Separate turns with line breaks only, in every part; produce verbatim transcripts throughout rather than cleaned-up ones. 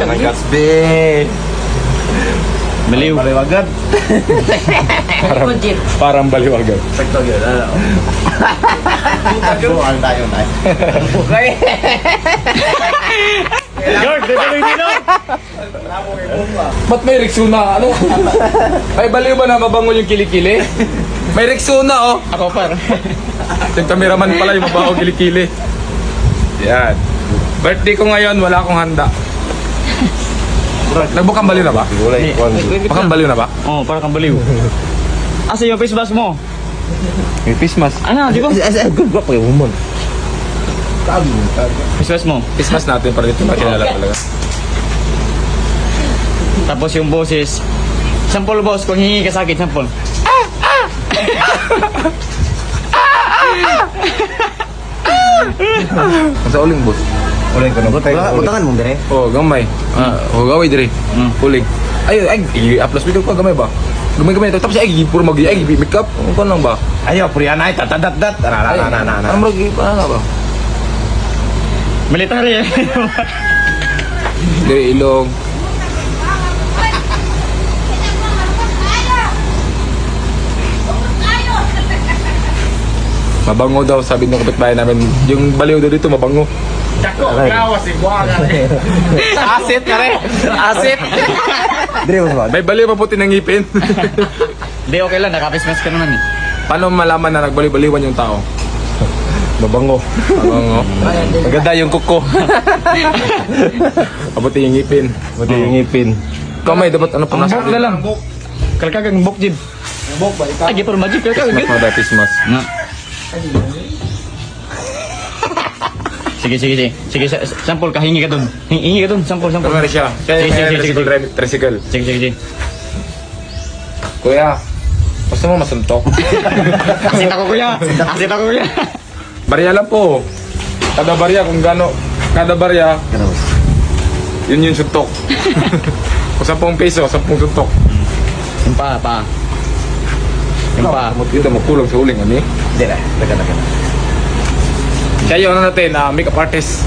Kanagas, be.
Baliw.
Baliw agad.
Parang,
Parang baliw agad.
Sakto yun, ano? Bukan tayo, tayo. Okay.
George, may baliw dito.
Ba't may Rexona? Ano? Ay, baliw ba na mabango yung kilikili? May Rexona, oh.
Ako par.
Yung cameraman pala yung mabango kilikili. Yan. Birthday ko ngayon, wala akong handa. Nagbukang baliw na ba?
Gulay, kwan.
Bakang baliw na ba?
Oh, para kang baliw. Asa yung face mask mo?
May face mask.
Ano, di ba?
As a good guap kayo, humon. Tago, tago.
Face mask mo.
Face mask natin para dito makilala talaga.
Tapos yung boses. Sample boss, kung hingi ka sa akin, sample.
Sa uling, boss.
Uling ka na. Butangan mo, dire.
Oh, gamay. Ah, oh, gaway dire.
Mm.
Uling. Ay, ay, i-upload video ko gamay ba? Gamay-gamay ito. Tapos ay, puro mag ay, make up. Ano ka lang ba?
Ayaw, purihan ay, tatadat-dat. Na, na, na, na, na, na.
Ano mag ano nga ba?
Military eh.
Dire ilong. Mabango daw, sabi ng kapitbahay namin. Yung baliw daw dito, mabango.
Dako, gawas, iguaga.
Asit ka rin! Asit!
Dire, mas ba?
May baliw pa puti ng ngipin.
Di okay lang, naka-face mask ka naman eh.
Paano malaman na nagbaliw-baliwan yung tao?
Mabango.
Mabango. Maganda yung kuko. Mabuti yung ngipin.
Buti yung ngipin.
Kamay, dapat ano pa
Ang bok na lang. Kalkagang bok jib.
Bok ba, ikaw?
Ay, gipur magic. Kalkagang
Mas mga datis mas.
nga. Sige, sige, sige. Sige, sa- sample ka, hingi ka dun. Hingi, hingi ka dun, sample, sample.
Kamari siya. Kaya
Sige, sige, sige,
tricycle,
sige.
tricycle.
Sige, sige, sige.
Kuya, gusto mo masuntok?
Asit ako, kuya. Asit ako, kuya.
Barya lang po. Kada barya kung gano. Kada barya,
Ganos.
yun yung suntok. Kung sampung peso, sampung suntok.
Yung pa, pa. Yung pa.
Yun na makulang sa uling, ano eh.
Dire, daga, daga.
Kaya yun ano natin, ah, makeup artist.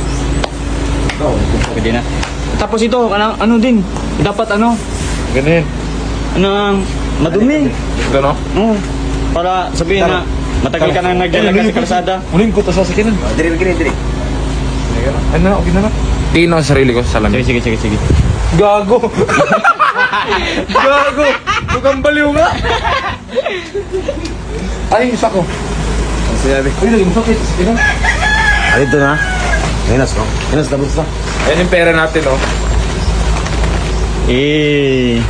Pwede na. Tapos ito, ano, ano din. Dapat ano,
Ganun.
ano ang madumi.
Ito no?
Oo. Para sabihin na, matagal ka na naglalagay sa kalsada.
Uling ko to sa sakinan.
Dire, dire, dire.
Ano na, okay na na. Tingin ako sa sarili ko sa
Sige,
salamin.
sige, sige, sige.
Gago! Gago! Mukhang baliw nga! Ay, isa ko.
Ang sinabi.
Uy, naging sakit. Ina.
Ay, ito na. Minas, no? Minas, tapos na.
Ayan yung pera natin, oh.
Eh.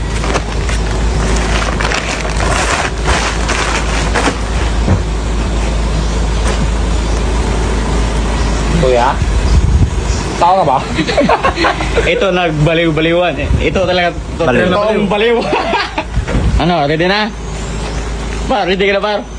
Kuya? Tao ka ba?
Ito nagbaliw-baliwan. Ito talaga
Baliw.
totoong baliw. Ano, ready na? Par, ready ka na par?